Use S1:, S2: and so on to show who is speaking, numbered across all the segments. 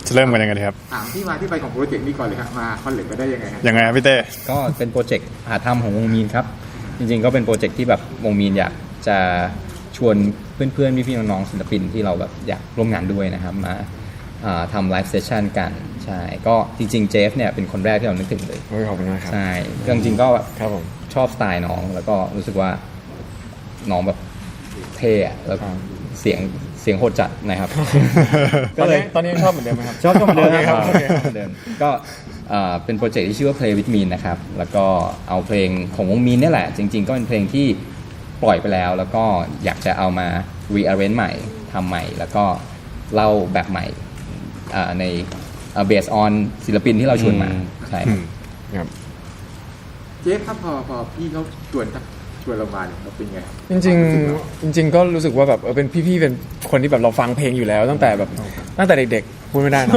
S1: จะเริ่มกันยังไงดีครับ
S2: ถามที่มาที่ไปของโปรเจกต์นี้ก่อนเลยครับมาคอนเล็กไปได้ยังไงครับ
S1: ยังไงครับพี่เต้
S3: ก็เป็นโปรเจกต์หาธรรมของวงมีนครับจริงๆก็เป็นโปรเจกต์ที่แบบวงมีนอยากจะชวนเพื่อนๆพี่ๆน้องๆศิลปินที่เราแบบอยากร่วมงานด้วยนะครับมาทำไลฟ์เซสชั่นกันใช่ก็จริงๆเจฟเนี่ยเป็นคนแรกที่เรานึกถึงเลย
S1: ขอบคุณมากครับ
S3: ใช่จริงๆก็
S1: ครับผม
S3: ชอบสไตล์น้องแล้วก็รู้สึกว่าน้องแบบเท่แล้วเสียงโหดจัดนะครับ
S1: ตอนนี้ชอบเหมือนเดิมไหมครับ
S3: ชอบเหมือนเดิมครับ
S1: โอเค
S3: ก็เป็นโปรเจกต์ที่ชื่อว่า Play with Mean นะครับแล้วก็เอาเพลงของวงมีนนี่แหละจริงๆก็เป็นเพลงที่ปล่อยไปแล้วแล้วก็อยากจะเอามา rearrange ใหม่ทำใหม่แล้วก็เล่าแบบใหม่ในbased on ศิลปินที่เราชวนมาใช่
S1: ครับ
S2: เจฟครับพอพี่เขาชวนเรามาเนี่ยเราเป็นไง
S1: จริงๆก็รู้สึกว่าแบบเป็นพี่ๆเป็นคนที่แบบเราฟังเพลงอยู่แล้วตั้งแต่เด็กๆพูดไม่ได้นะ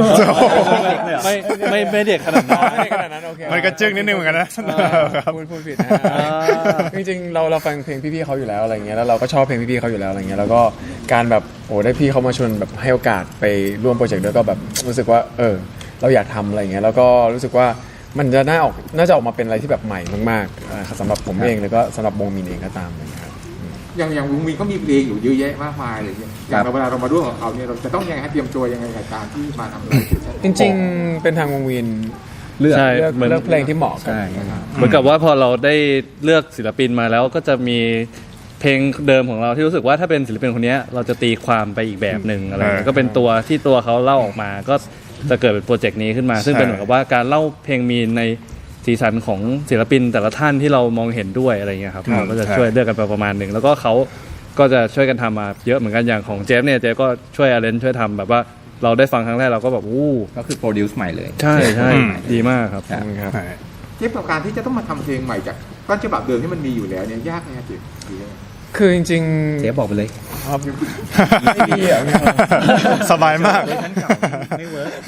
S4: ไม่เด็กขนาด
S1: นั้นโอเค
S4: มันก็จึ้งนิดนึงเหมือนกันนะ
S1: พูดผิดนะจริงๆเราฟังเพลงพี่ๆเขาอยู่แล้วอะไรเงี้ยแล้วเราก็ชอบเพลงพี่ๆเขาอยู่แล้วอะไรเงี้ยแล้วก็การแบบได้พี่เขามาชวนแบบให้โอกาสไปร่วมโปรเจกต์ด้วยก็แบบรู้สึกว่าเราอยากทำอะไรเงี้ยแล้วก็รู้สึกว่ามันจะน่าจะออกมาเป็นอะไรที่แบบใหม่มากๆสำหรับผมเองแล้วก็สำหรับวงมีนเองก็ตามนะครับ
S2: อย่างวงมีนก็มีเพลงอยู่เยอะแยะมากมายเลยอย่างเวลาเรามาร่วมกับเขาเนี่ยเราจะต้องยังไงเตรียมตัวยังไงกับการที่มาทำอะไร
S1: จริงๆเป็นทางวงมีนเลือกเพลงที่เหมาะกัน
S4: เหมือนกับว่าพอเราได้เลือกศิลปินมาแล้วก็จะมีเพลงเดิมของเราที่รู้สึกว่าถ้าเป็นศิลปินคนนี้เราจะตีความไปอีกแบบหนึ่งอะไรก็เป็นตัวที่ตัวเขาเล่าออกมาก็จะเกิดเป็นโปรเจกต์นี้ขึ้นมาซึ่งเป็นเหมือนกับว่าการเล่าเพลงมีในสีสันของศิลปินแต่ละท่านที่เรามองเห็นด้วยอะไรเงี้ยครับเราก็จะช่วยเลือกกันไปประมาณหนึ่งแล้วก็เขาก็จะช่วยกันทำมาเยอะเหมือนกันอย่างของเจฟเนี่ยเจฟก็ช่วยอาร์เรนช่วยทำแบบว่าเราได้ฟังครั้งแรกเราก็แบบ
S3: ก็คือโปรดิวซ์ใหม่เลย
S4: ใช่ดีมากครับ
S2: เจฟกับการที่จะต้องมาทำเพลงใหม่จากต้นฉบับเดิมที่มันมีอยู่แล้วเนี่ยยากไหมครับเจฟ
S1: คือจริงๆ
S3: เจฟบอกไปเลย
S1: ไม่ดีอ่ะ
S4: สบายมาก
S3: ไม่เวิร์ก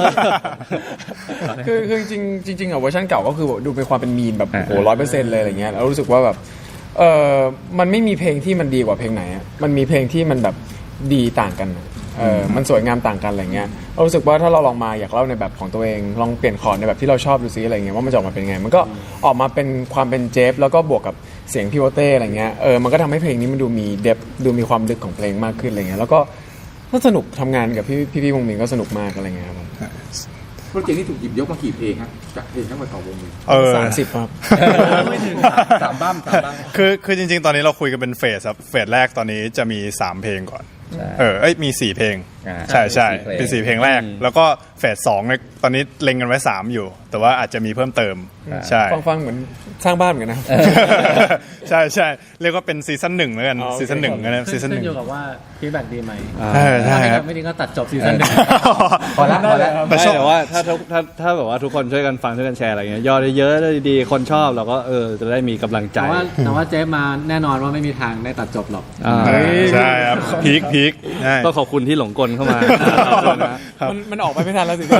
S1: คือจริงอ่ะเวอร์ชันเก่าก็คือดูเป็นความเป็นมีนแบบ100%เลยอะไรเงี้ยแล้วรู้สึกว่าแบบมันไม่มีเพลงที่มันดีกว่าเพลงไหนอ่ะมันมีเพลงที่มันแบบดีต่างกันมันสวยงามต่างกันอะไรเงี้ยเรารู้สึกว่าถ้าเราลองมาอยากเล่าในแบบของตัวเองลองเปลี่ยนคอร์ดในแบบที่เราชอบดูซิอะไรเงี้ยว่ามันจะออกมาเป็นไงมันก็ออกมาเป็นความเป็นเจฟแล้วก็บวกกับเสียงพี่โอเต้อะไรเงี้ยมันก็ทำให้เพลงนี้มันดูมีเดฟดูมีความลึกของเพลงมากขึ้นอะไรเงี้ยแล้วก็สนุกทำงานกับพี่วงมินก็สนุกมากอะไรเงี้ยครับ
S2: โปรเจกต์นี้ถูกหยิบยกมากี่เพลงครับจากเพลงทั้งหมดของวงมิน
S1: 30ครับ
S3: ไม่ถึง3 บ้าม
S4: คือจริงๆตอนนี้เราคุยกันเป็นเฟสครับเฟสแรกตอนนี้จะมี3เพลงก่อนมี4เพลงใช่เป็น4เพลงแรกแล้วก็เฟส2เนี่ยตอนนี้เล็งกันไว้3อยู่แต่ว่าอาจจะมีเพิ่มเติมใช่
S1: ฟังเหมือนสร้างบ้านเหมือนกันนะ
S4: ใช่เรียกว่าเป็นซีซั่น1แล้วกันซีซั่น1นะซีซั่น1
S5: ขึ้นอยู่กับว่าฟีดแบ็กดีไหม
S4: ใช่
S5: ครับไม่ดีก็ตัดจบซีซั่น1
S3: พอแล้ว
S4: แต่ว่าถ้าแบบว่าทุกคนช่วยกันฟังช่วยกันแชร์อะไรเงี้ยยอดเยอะๆดีคนชอบเราก็จะได้มีกำลังใจ
S5: แต่ว่าเจฟมาแน่นอนว่าไม่มีทางได้ตัดจบหรอก
S4: ใช่ครับพีคต้องขอบคุณที่หลงกลเข้ามา
S1: มันออกไปไม่ทันแล้วสิ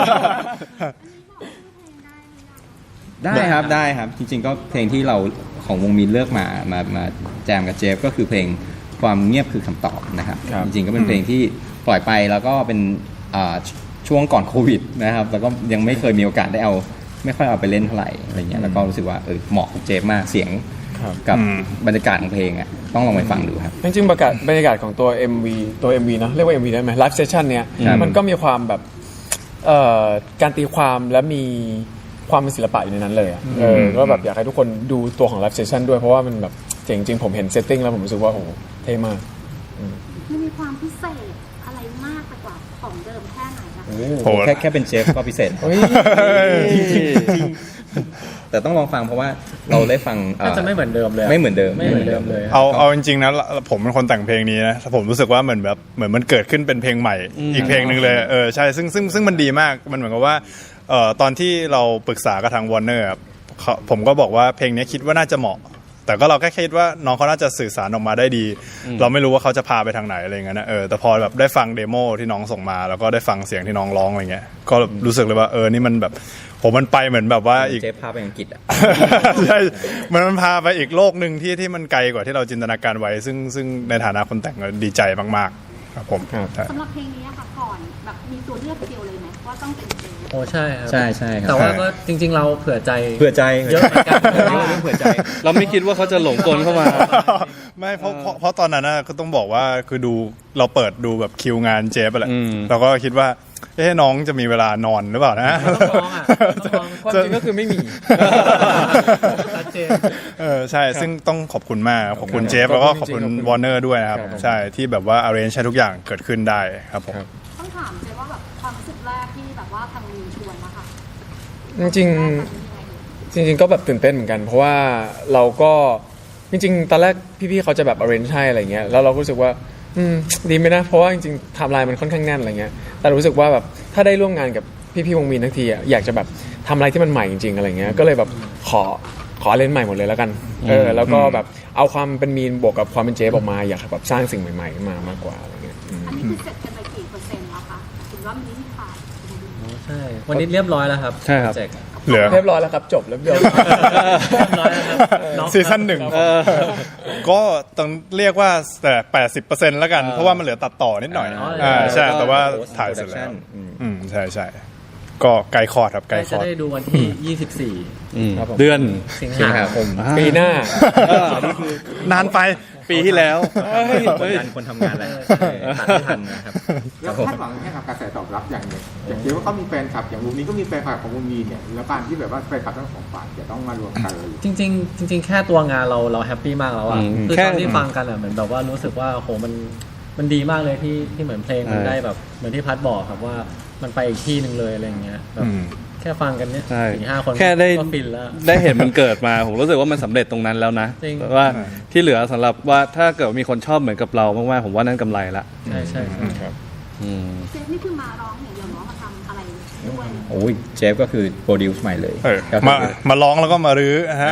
S3: ได้ครับจริงๆก็เพลงที่เราของวงมีนเลือกมาแจมกับเจฟก็คือเพลงความเงียบคือคำตอบนะครับจริงๆก็เป็นเพลงที่ปล่อยไปแล้วก็เป็นช่วงก่อนโควิดนะครับแล้วก็ยังไม่เคยมีโอกาสได้ไม่ค่อยเอาไปเล่นเท่าไหร่อะไรเงี้ยแล้วก็รู้สึกว่าเหมาะกับเจฟมากเสียงกับบรรยากาศของเพลงอ่ะต้องลองไปฟังดูครับ
S1: จริงๆบรรยากาศของตัว MV เนาะเรียกว่า MV ได้ไหมไลฟ์เซสชั่นเนี้ยมันก็มีความแบบการตีความและมีความเป็นศิลปะอยู่ในนั้นเลยก็แบบอยากให้ทุกคนดูตัวของไลฟ์เซสชั่นด้วยเพราะว่ามันแบบเจ๋งจริงผมเห็นเซตติ้งแล้วผมรู้สึกว่าโอ้เท่มาก
S6: มันมีความพิเศษอะไรมากไปกว่าของเดิมแค่ไหนคะ
S3: โอ้แค่เป็นเชฟก็พิเศษจริงแต่ต้องลองฟังเพราะว่าเราได้ฟัง
S5: จะไม่เหมือนเดิมเลย
S3: ไม่เหมือนเดิม
S5: เลย
S4: เอาจริงๆนะผมเป็นคนแต่งเพลงนี้นะผมรู้สึกว่าเหมือนมันเกิดขึ้นเป็นเพลงใหม่อีกเพลงนึงเลยใช่ซึ่งมันดีมากมันเหมือนกับว่าตอนที่เราปรึกษากับทาง Warner ผมก็บอกว่าเพลงนี้คิดว่าน่าจะเหมาะแต่ก็เราแค่คิดว่าน้องเขาน่าจะสื่อสารออกมาได้ดีเราไม่รู้ว่าเขาจะพาไปทางไหนอะไรเงี้ยนะแต่พอแบบได้ฟังเดโมที่น้องส่งมาแล้วก็ได้ฟังเสียงที่น้องร้องอะไรเงี้ยก็รู้สึกเลยว่านี่มันแบบมันไปเหมือนแบบว่าอีก
S3: เจฟพาไปอังกฤษอ่ะ
S4: ใช่มันพาไปอีกโลกนึงที่มันไกลกว่าที่เราจินตนาการไว้ซึ่งในฐานะคนแต่งดีใจมากๆครับผม
S6: สำหรับเพลงนี้ค่ะก่อนอนแบบมีตัวเลือกเดียวเลยไหมว่าต้องเป็นเจฟ
S5: โอ้ใช่ครับ
S3: ใช่ใช่ครับ
S5: แต่ว่าก็จริง ๆ เราเผื่อใจ
S3: เผื่อใจ
S5: เยอะเหมือนกัน
S3: เรื่องเผื่อใจ
S4: เราไม่คิดว่าเขาจะหลงกลเข้ามา
S7: ไม่เพราะตอนนั้นน่ะก็ต้องบอกว่าคือดูเราเปิดดูแบบคิวงานเจฟไปแหละ
S4: อืม
S7: เราก็คิดว่าน้องจะมีเวลานอนหรือเปล่านะ
S5: ต้องลองอ่ะต้องลอง
S1: ความจริงก็คือไม่มี
S5: ชัดเจน
S7: ใช่ซึ่งต้องขอบคุณมากขอบคุณเจฟแล้วก็ขอบคุณวอร์เนอร์ด้วยนะครับ
S1: ครับ
S7: ใช่ที่แบบว่า arrange ให้ทุกอย่างเกิดขึ้นได้ครับผม
S6: ต้องถามเจฟว่าแบบความรู้สึกแรกที่แบบว่าทางมีชวนนะคะ
S1: จริงๆจริงๆก็แบบตื่นเต้นเหมือนกัน เพราะว่าเราก็จริงๆตอนแรกพี่ๆเขาจะแบบ arrange ให้อะไรเงี้ยแล้วเราก็รู้สึกว่าดีไหมนะเพราะว่าจริงๆไทม์ไลน์มันค่อนข้างแน่นอะไรเงี้ยแต่รู้สึกว่าแบบถ้าได้ร่วมงานกับพี่ๆวงมีนทั้งทีอะอยากจะแบบทำอะไรที่มันใหม่จริงๆอะไรเงี้ยก็เลยแบบขอเล่นใหม่หมดเลยแล้วกันแล้วก็แบบเอาความเป็นมีนบวกกับความเป็นเจฟออกมาอยากแบบสร้างสิ่งใหม่ๆขึ้นมามากกว่าอะไรเงี้ย
S6: อันนี้คือเสร็จกันไปกี่เปอร์เซ็นต์แล้วคะถือว่ามีที่ขาด
S5: ใช่ วันนี้เรียบร้อยแล้วครับ
S4: ใช่ครับ
S5: โปเจกต์
S7: เหลือ
S1: เรียบร้อยแล้วครับจบแล้วเรียบร้อย
S5: เรียบร้อยแล้วครับน้อง
S7: ซีซั่นหนึ่งก็ต้องเรียกว่าแต่80%แล้วกัน เพราะว่ามันเหลือตัดต่อนิดหน่อยใช่แต่ว่าถ่ายเสร็จแล้วใช่ก็ไกลคอร์ดครับไกลค
S5: จะ
S7: อร์ด
S5: ได้ดูวันที่ 24
S1: ครับผม
S4: เดือน
S5: สิง
S3: สิง
S5: หา
S3: หา
S5: ค
S3: ค
S5: ม
S3: ม
S1: ปีหน้า
S7: นานไป
S4: ปีที่แล้ว
S3: คนงานคนทำงานแหละตัดไม่ทันนะครับ
S2: แล้วคาดหวังแค่กับกระแสตอบรับอย่างหนึ่งอย่างเช่นว่าเขามีแฟนคลับอย่างวงนี้ก็มีแฟนคลับของวงมีเนี่ยแล้วการที่แบบว่าแฟนคลับทั้งสองฝ่ายจะต้องมารวมกันเลย
S5: จริง ๆ แค่ตัวงานเราแฮปปี้มากแล้วอ่ะ คือ
S4: แค่
S5: ตอนที่ฟังกันอ่ะเหมือนแบบว่ารู้สึกว่าโหมันดีมากเลยที่เหมือนเพลงมันได้แบบเหมือนที่พัดบอกครับว่ามันไปอีกที่หนึ่งเลยอะไรอย่างเงี้ยแบบแค่ฟังกันเนี่ย
S4: ใช่
S5: 4-5 คน
S4: แค่ได้
S5: ก็ฟินแล้ว
S4: ได้เห็นมันเกิดมา ผมรู้สึกว่ามันสำเร็จตรงนั้นแล้วนะ
S5: จริง
S4: ว่าที่เหลือสำหรับว่าถ้าเกิดมีคนชอบเหมือนกับเรามากๆผมว่านั่นกำไรละ
S5: ใช่ใช่ใช่
S4: อืม
S6: เจฟนี่คือมาร้องอย่างเดียวเนาะมาทำอะไรด้วย
S3: โอ้ยเจฟก็คือโปรดิวซ์ใหม่เลย ก็คือ
S7: มาร้องแล้วก็มารื้อฮะ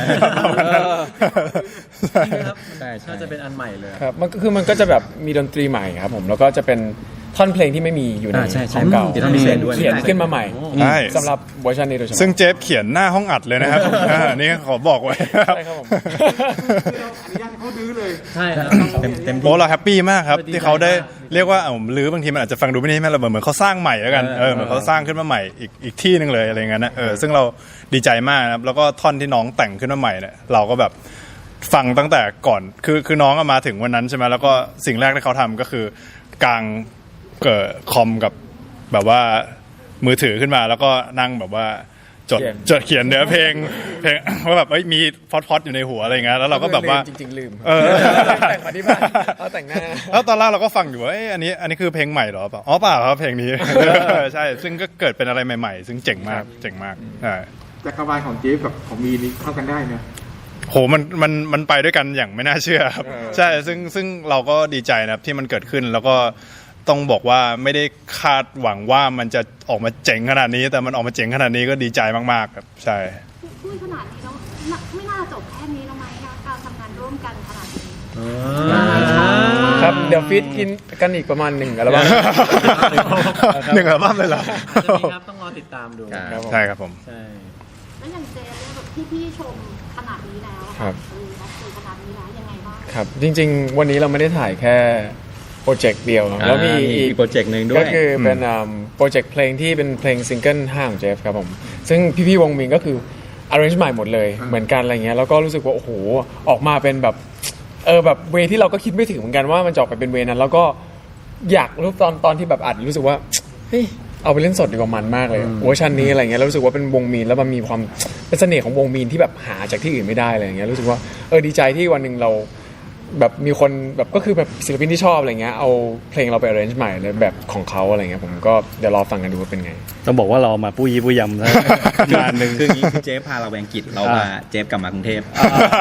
S5: ครับ
S3: ใช่ใช่
S5: น่าจะเป็นอันใหม่เลย
S1: ครับมันก็จะแบบมีดนตรีใหม่ครับผมแล้วก็จะเป็นท่อนเพลงที่ไม่มีอยู่ใน
S3: ใช่ใช่
S1: ของเก่า
S3: มีท่อนพิเศษด้วย
S1: เขียนขึ้นมาใหม่
S7: ใช่
S1: สำหรับเวอร์ชันนี้โดยเฉพาะ
S7: ซึ่งเจฟเขียนหน้าห้องอัดเลยนะครับนี่ขอบอกไว้
S1: ใช่ครับผม
S2: คือเราอนุญาตให้เขาดื้อเลย
S5: ใช่ครับ
S3: เต็ม
S7: โอ้เราแฮปปี้มากครับ
S5: ดีใจ
S7: ที่เขาได้
S5: มาก
S7: เรียกว่ารื้อบางทีมันอาจจะฟังดูไม่ได้แม่เราเหมือนเขาสร้างใหม่แล้วกันเหมือนเขาสร้างขึ้นมาใหม่อีกที่หนึ่งเลยอะไรเงี้ยนะซึ่งเราดีใจมากนะครับแล้วก็ท่อนที่น้องแต่งขึ้นมาใหม่เนี่ยเราก็แบบฟังตั้งแต่ก่อนคือน้องมาถึงวันนั้นใช่ไหมแล้วก็สิ่งแรกที่เขาทำก็คือกางคอมกับแบบว่ามือถือขึ้นมาแล้วก็นั่งแบบว่าจดเขียนเนื้อเพลงว่าแบบมีพอดอยู่ในหัวอะไรเงี้ยแล้วเราก็แบบว่า
S1: จริงๆลืม
S7: แต่
S1: งมาที่บ้านเอาแต่งหน้า
S7: แล้วตอนแรกเราก็ฟังอยู่ว่าอันนี้คือเพลงใหม่เหรอเปล่าอ๋อเปล่าครับเพลงนี้ ใช่ซึ่งก็เกิดเป็นอะไรใหม่ๆ ซึ่งเจ๋งมากใช่
S2: จักรวาลของเจฟกับของมีนี่เข้ากันได้นะ
S7: โหมันไปด้วยกันอย่างไม่น่าเชื่อครับใช่ซึ่งเราก็ดีใจนะครับที่มันเกิดขึ้นแล้วก็ต้องบอกว่าไม่ได้คาดหวังว่ามันจะออกมาเจ๋งขนาดนี้แต่มันออกมาเจ๋งขนาดนี้ก็ดีใจมากๆครับใช่
S6: พูดขนาดนี้แล้วไม่น่าจบแค่นี้แล้วไหมคะการทำงานร่วมกันขนาดนี้
S1: ครับเดี๋ยวฟีดกินกันอีกประมาณ1อัลบั้ม
S7: หนึ่งอัลบั้มเลยเหรอ
S5: จะมีครับต้องรอติดตามดู
S3: ครับ
S7: ใช่ครับผม
S5: ใช่
S6: แล้วอย่างเจฟเนี่ยแบบพี่ชมขนาดนี้แล้วอะ
S1: ครับ
S6: เราคุยขนาดนี้แล้วยังไงบ้าง
S1: ครับจริงๆ วันนี้เราไม่ได้ถ่ายแค่โปรเจกต์เดียวเนอะแล้วมีอีก
S3: โปรเจกต์หนึ่งด้วย
S1: ก็คือเป็นโปรเจกต์เพลงที่เป็นเพลงซิงเกิล5ของเจฟครับผมซึ่งพี่ๆวงมินก็คือ arrange ใหม่หมดเลยเหมือนกันอะไรเงี้ยแล้วก็รู้สึกว่าโอ้โหออกมาเป็นแบบแบบเวที่เราก็คิดไม่ถึงเหมือนกันว่ามันจะออกไปเป็นเวนั้นแล้วก็อยากรู้ตอนที่แบบอัดรู้สึกว่าเฮ้ยเอาไปเล่นสดดีกว่ามันมากเลยเวอร์ชันนี้อะไรเงี้ยแล้วรู้สึกว่าเป็นวงมีนแล้วมันมีความเป็นเสน่ห์ของวงมีนที่แบบหาจากที่อื่นไม่ได้อะไรเงี้ยรู้สึกว่าดีใจที่วันหนึ่งเราแบบมีคนแบบก็คือแบบศิลปินที่ชอบอะไรเงี้ยเอาเพลงเราไป arrange ใหม่เลยแบบของเขาอะไรเงี้ยผมก็เดี๋ยวรอฟังกันดูว่าเป็นไง
S4: ต้องบอกว่าเรามาปุ้ยปุ้ยยำนะ งานหนึ่ง
S3: คืออย่างนี้คือเจฟพาเราไปอังกฤษเรามาเจฟกลับมากรุงเทพ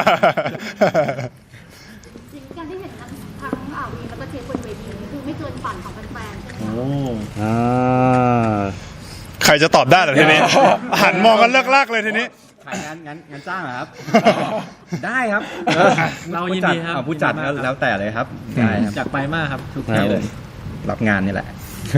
S6: จริงๆการที่เห็นทั้งวีแล้วก็เจฟบนเวทีนี่คือไม่เกินฝันของแฟนๆใช่ไหม
S5: โอ้
S6: คะ
S4: อ่า
S7: ใครจะตอบได้เหรอทีนี้ หันมองกันเลิกลากเลยทีนี้
S3: ขายงานจ้างเหรอครับ ได้ครับ
S5: เรายินดีครับ
S3: ผู้จัดแล้วแต่เลยครับได้ครับ
S5: อยากไปมากครับทุก
S3: ได้
S5: ที่
S3: เล
S5: เลย ย
S3: รับงานนี่แหละ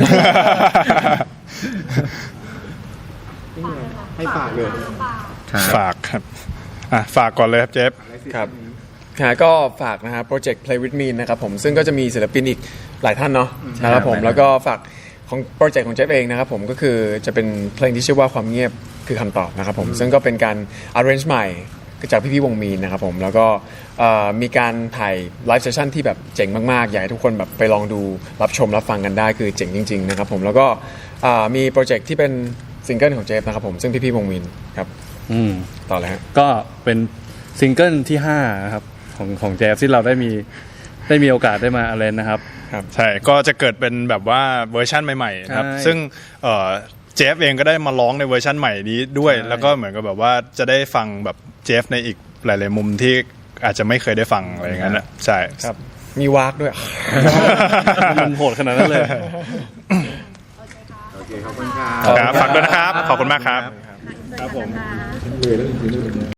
S2: ให้ฝากเลย
S7: ฝากครับฝากก่อนเลยครับเจฟ
S1: ครับก็ฝากนะฮะโปรเจกต์ Play with Me นะครับผมซึ่งก็จะมีศิลปินอีกหลายท่านเนาะนะครับผม
S3: ใช่
S1: แล้วก็ฝากของโปรเจกต์ของเจฟเองนะครับผมก็คือจะเป็นเพลงที่ชื่อว่าความเงียบคือคำตอบนะครับผมซึ่งก็เป็นการ arrange ใหม่จากพี่ๆวงมีนนะครับผมแล้วก็มีการถ่ายไลฟ์เซสชั่นที่แบบเจ๋งมากๆอยากให้ทุกคนแบบไปลองดูรับชมรับฟังกันได้คือเจ๋งจริงๆนะครับผมแล้วก็มีโปรเจกต์ที่เป็นซิงเกิลของเจฟนะครับผมซึ่งพี่ๆวงมีนครับต่อเลยฮะ
S4: ก็เป็นซิงเกิลที่5นะครับของแจ๊สที่เราได้มีโอกาสได้มาอะไรนะครับ
S7: ใช่ก็จะเกิดเป็นแบบว่าเวอร์ชันใหม่ๆครับ
S4: ใช่
S7: ซึ่งเจฟเองก็ได้มาร้องในเวอร์ชันใหม่นี้ด้วย
S4: ใช่
S7: แล้วก็เหมือนกับแบบว่าจะได้ฟังแบบเจฟในอีกหลายๆมุมที่อาจจะไม่เคยได้ฟังอะไรอย่างนั้นนะใช่
S1: ครับมีวากด้วย
S4: มันโหดขนาดนั้นเลย
S2: โอเคขอบคุณครับ
S7: ครับฝากด้วยนะครับ ขอบคุณมากครับ
S6: ครับผม